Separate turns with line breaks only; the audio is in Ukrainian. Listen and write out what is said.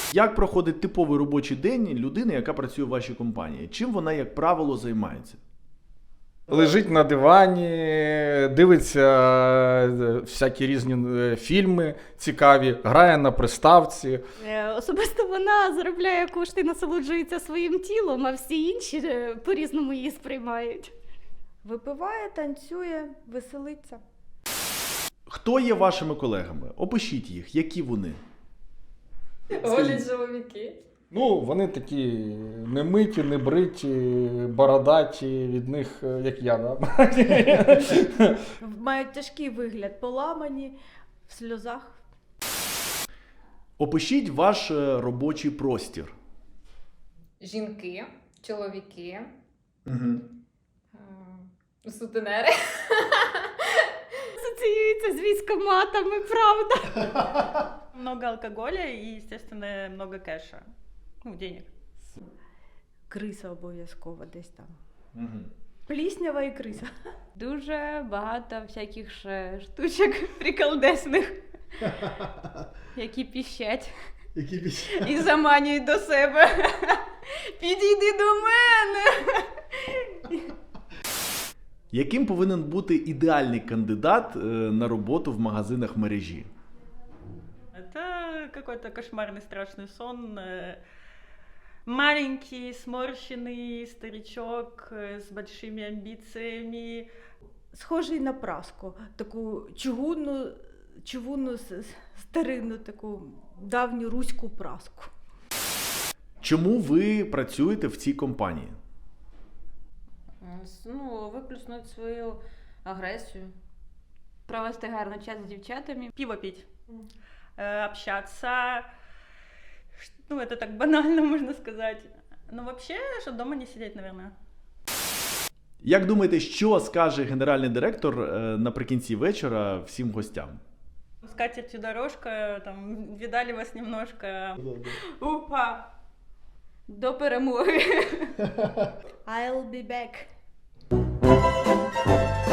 Як проходить типовий робочий день людини, яка працює в вашій компанії? Чим вона, як правило, займається?
Лежить на дивані, дивиться всякі різні фільми цікаві, грає на приставці.
Особисто вона заробляє кошти, насолоджується своїм тілом, а всі інші по-різному її сприймають.
Випиває, танцює, веселиться.
Хто є вашими колегами? Опишіть їх, які вони.
Голі чоловіки.
Ну, вони такі немиті, небриті, бородаті, від них, як я, да?
Мають тяжкий вигляд, поламані, в сльозах.
Опишіть ваш робочий простір.
Жінки, чоловіки,
Угу.
сутенери.
Асоціюється з військоматами, правда?
Много алкоголя и, естественно, много кэша. Ну, денег.
Криса обов'язково десь там.
Угу.
Пліснява і криса.
Дуже багато всяких ще штучок приколдесних, які піщать і заманюють до себе. Підійди до мене!
Яким повинен бути ідеальний кандидат на роботу в магазинах мережі?
Это какой-то кошмарный страшный сон. Маленький, сморщенный старичок с большими амбициями.
Схожий на праску. Таку чугунну старинну, таку давню руську праску.
Чому ви працюєте в цій компанії?
Ну, виплюснути свою агресію.
Провести гарний час з дівчатами.
Пиво пить, общаться. Ну, это так банально, можно сказать. Но вообще, что дома не сидеть, наверное.
Як думаєте, що скаже генеральний директор наприкінці вечора всім гостям?
С катертью дорожка, там, видали вас немножко.
Упа! До перемоги!
I'll be back.